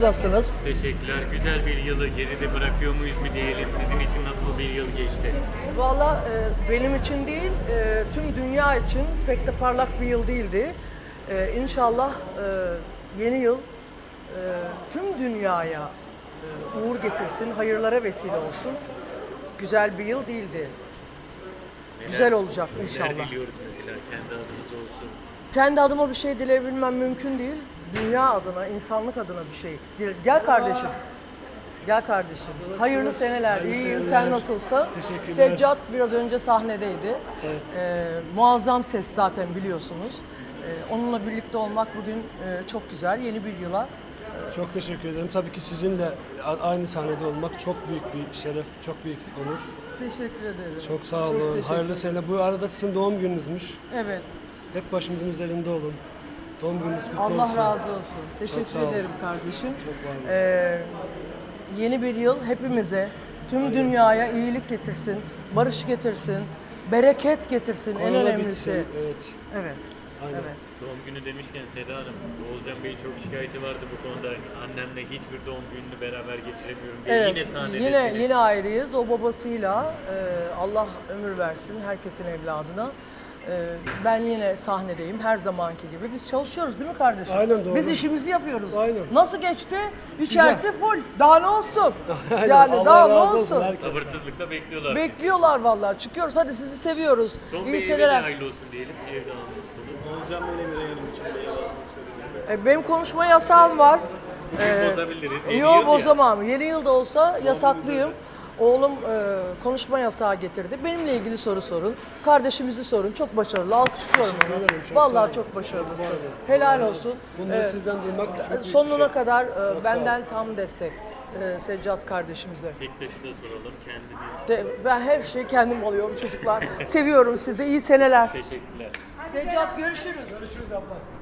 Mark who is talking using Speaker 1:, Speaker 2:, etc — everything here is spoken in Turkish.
Speaker 1: Nasılsınız?
Speaker 2: Teşekkürler. Güzel bir yılı geride bırakıyor muyuz mu diyelim? Sizin için nasıl bir yıl geçti?
Speaker 1: Valla benim için değil, tüm dünya için pek de parlak bir yıl değildi. İnşallah yeni yıl tüm dünyaya uğur getirsin, hayırlara vesile olsun. Güzel bir yıl değildi. Güzel olacak inşallah.
Speaker 2: Neler diliyoruz mesela kendi adımız olsun?
Speaker 1: Kendi adıma bir şey dileyebilmem mümkün değil. Dünya adına, insanlık adına bir şey. Gel kardeşim. Gel kardeşim. Hayırlı seneler.
Speaker 3: Hayırlı
Speaker 1: İyiyim.
Speaker 3: seneler.
Speaker 1: Sen nasılsın?
Speaker 3: Teşekkürler.
Speaker 1: Seccat biraz önce sahnedeydi.
Speaker 3: Evet.
Speaker 1: Muazzam ses zaten biliyorsunuz. Onunla birlikte olmak bugün çok güzel. Yeni bir yıla.
Speaker 3: Çok teşekkür ederim. Tabii ki sizinle aynı sahnede olmak çok büyük bir şeref, çok büyük bir onur.
Speaker 1: Teşekkür ederim.
Speaker 3: Çok sağ
Speaker 1: Çok
Speaker 3: olun.
Speaker 1: teşekkür
Speaker 3: Hayırlı sene. Bu arada sizin doğum gününüzmüş.
Speaker 1: Evet.
Speaker 3: Hep başımızın üzerinde olun. Doğum gününüz kutlu
Speaker 1: Allah
Speaker 3: olsun.
Speaker 1: razı olsun.
Speaker 3: sağ
Speaker 1: Teşekkür
Speaker 3: olun.
Speaker 1: ederim kardeşim.
Speaker 3: Çok var olun.
Speaker 1: Yeni bir yıl hepimize, tüm dünyaya iyilik getirsin, barış getirsin, bereket getirsin en
Speaker 3: Korona
Speaker 1: önemlisi.
Speaker 3: bitsin. Evet.
Speaker 1: Evet.
Speaker 3: Aynen.
Speaker 1: Evet.
Speaker 2: Doğum günü demişken Seda Hanım, Oğulcan Bey'in çok şikayeti vardı bu konuda. Annemle hiçbir doğum gününü beraber geçiremiyorum diye.
Speaker 1: Evet.
Speaker 2: Yine sahnedesiniz.
Speaker 1: Yine ayrıyız. O babasıyla Allah ömür versin herkesin evladına. Ben yine sahnedeyim her zamanki gibi. Biz çalışıyoruz değil mi kardeşim?
Speaker 3: Aynen, doğru.
Speaker 1: Biz işimizi yapıyoruz.
Speaker 3: Aynen.
Speaker 1: Nasıl geçti? İçerisi full. Daha ne olsun?
Speaker 3: Aynen.
Speaker 1: Yani
Speaker 3: Allah
Speaker 1: daha ne
Speaker 3: razı
Speaker 1: olsun?
Speaker 3: herkesten.
Speaker 2: Sabırsızlıkla bekliyorlar.
Speaker 1: Bekliyorlar vallahi. Çıkıyoruz. Hadi sizi seviyoruz.
Speaker 2: Son
Speaker 1: İyi
Speaker 2: bir evde de
Speaker 1: seneler.
Speaker 2: hayırlı olsun diyelim. Evde anlattınız.
Speaker 4: Hocam böyle bir yayınım için
Speaker 1: Benim konuşma yasağım var.
Speaker 2: Bozabiliriz. Yeni yıl
Speaker 1: Yok
Speaker 2: ya.
Speaker 1: bozamam. Yeni yılda olsa yasaklıyım. Oğlum konuşma yasağı getirdi. Benimle ilgili soru sorun. Kardeşimizi sorun. Çok başarılı. Alkışlıyorum
Speaker 3: Teşekkür
Speaker 1: onu.
Speaker 3: ederim, çok sağ
Speaker 1: Vallahi
Speaker 3: olun.
Speaker 1: çok başarılısın.
Speaker 3: Çok var olun.
Speaker 1: Helal olsun.
Speaker 3: Bunları sizden duymak çok büyük bir
Speaker 1: Sonuna
Speaker 3: şey.
Speaker 1: kadar
Speaker 3: Çok sağ olun.
Speaker 1: benden tam destek. Seccat kardeşimize.
Speaker 2: Tek taşı da soralım. Kendiniz.
Speaker 1: Ben her şeyi kendim alıyorum çocuklar. Seviyorum sizi. İyi seneler.
Speaker 2: Teşekkürler.
Speaker 1: Seccat görüşürüz.
Speaker 3: Görüşürüz abla.